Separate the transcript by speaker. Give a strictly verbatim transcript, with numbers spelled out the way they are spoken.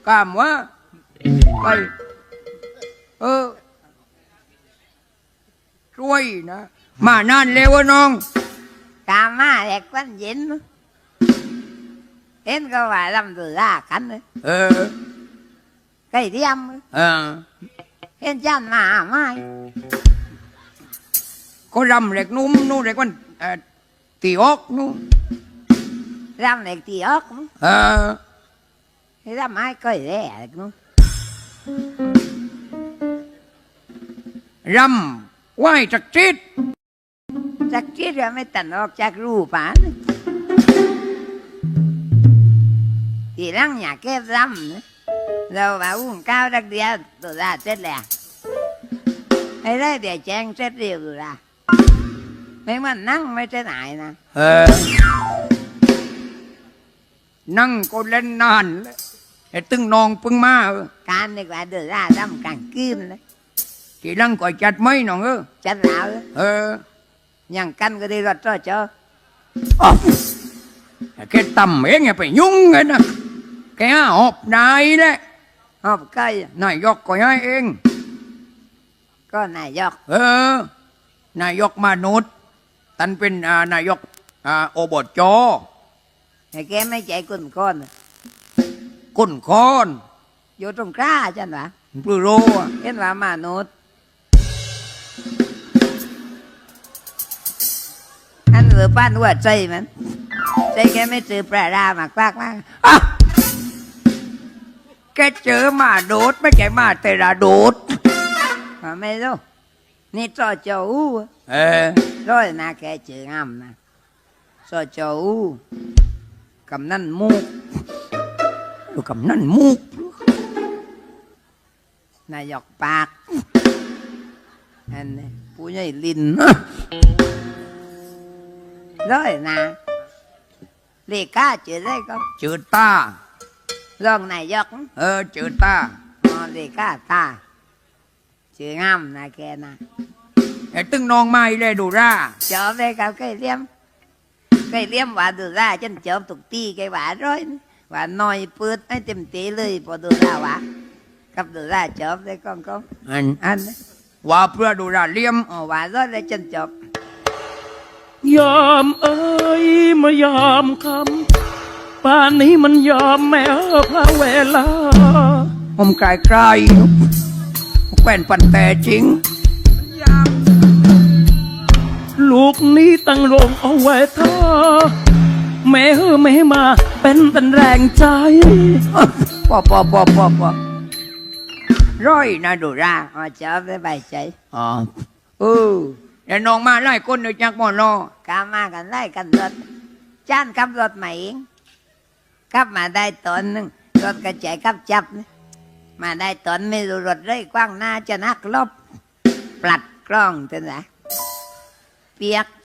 Speaker 1: กามวะไปเออช่วยนะมานานแล้ววะน้อง
Speaker 2: กามาแหลกวันเย็นเห็นก็ว่าลำตัวลากันเลย
Speaker 1: เออ
Speaker 2: ไก่เทียม
Speaker 1: เออ
Speaker 2: เห็นจันมาไม่
Speaker 1: ก็รำเล็กนุ่มนู่นเล็กวันเอ่อตีออกนู่น
Speaker 2: รำเล็กตีออก
Speaker 1: เออ
Speaker 2: รำไม้ก้อยแร่เล็กนู้น
Speaker 1: รำไหว้จักจิต
Speaker 2: จากที่เราไม่ตันออกจากรูป่านทีหลังอยากเก็บรำนะเราว่าอุ้งก้าวดักเดียวตัวละเสร็จแล้วให้ได้เดี๋ยวแจ้งเสร็จเร็วตัวละไม่มันนั่งไม่ได้ไหนนะ
Speaker 1: เออนั่งก็เล่นนานแล้วไอ้ตึงนองปึงมาเออ
Speaker 2: การดีกว่าเดือดร้อนรำกลางคืนเลย
Speaker 1: ทีหลังก็จัดไม่น้องเออ
Speaker 2: จัดแล้ว
Speaker 1: เออ
Speaker 2: ยังกันก็ได้รถต่อเจ้า
Speaker 1: อ๋อแกต่ำเองอย่าไปยุ่งกันนะแกหอบนายแหละ
Speaker 2: หอบก้อย
Speaker 1: นายกก็ให้เอง
Speaker 2: ก็นายก
Speaker 1: เออ นายกมนุษย์ตันเป็นอ่านายกอ่าโอบจ
Speaker 2: แต่แกไม่ใจกุนก้อน
Speaker 1: กุนคอน
Speaker 2: อยู่ตรงกล้าจันวะ
Speaker 1: ปลือโรอะ
Speaker 2: เห็นว่ามนุษย์อันเหลือป้านหัวใจมันใจแกไม่ซื้อปลาดามากมากมาก
Speaker 1: อ่ะแกเจอหมาโดดไม่ใช่หมาแต่ละโดด
Speaker 2: mà mấy đâu ni cho châu u
Speaker 1: เออ
Speaker 2: rồi na cái chữ ngầm nè cho châu u cầm năn mu
Speaker 1: ดูกับนั่นมูก
Speaker 2: na dọc bạc anh này phụ nhảy lìn rồi nè lì cá chữ đây con
Speaker 1: จืดตา
Speaker 2: rong này dọc
Speaker 1: เออจืดตา
Speaker 2: ờ, lì cá ta chữ ngầm nè kìa nè
Speaker 1: ไอ้ตึงนองไม่เลยดูร่า
Speaker 2: chở về cả cây liêm cây liêm và được ra chân chở tục ti cây vả rồi và nói bớt ấy tìm tí lời bỏ được ra vả cặp được ra chở về con con
Speaker 1: อัน
Speaker 2: anh
Speaker 1: ว่าเพื่อดูร่าเลี่ยม
Speaker 2: ồ vả rồi lấy chân chở
Speaker 3: ยอมเอ้ยมายอมคำป่านนี้มันยอมแม้พระเวลา
Speaker 1: ผมไกลไกลแกวนปันแต่จริง
Speaker 3: ลูกนี้ตั้งโรงเอาไว้ท่าแม่เฮอแม่มาเป็นเป็นแรงใจ
Speaker 1: ปอปอปอปอปอร้อยนะดูร่า
Speaker 2: ờ chở về bài chạy
Speaker 1: อ๋อเออแต่น้องมาไล่ก้นเดี๋ยวจักหมอนรอ
Speaker 2: cá ma cần lấy cần rớt chan cắp rớt mày cắp mà đây tuần nưng rớt cái chạy cắp chập mà đây tuần mới rớt rơi quăng na cho nát lốp plặt con tên là เปียก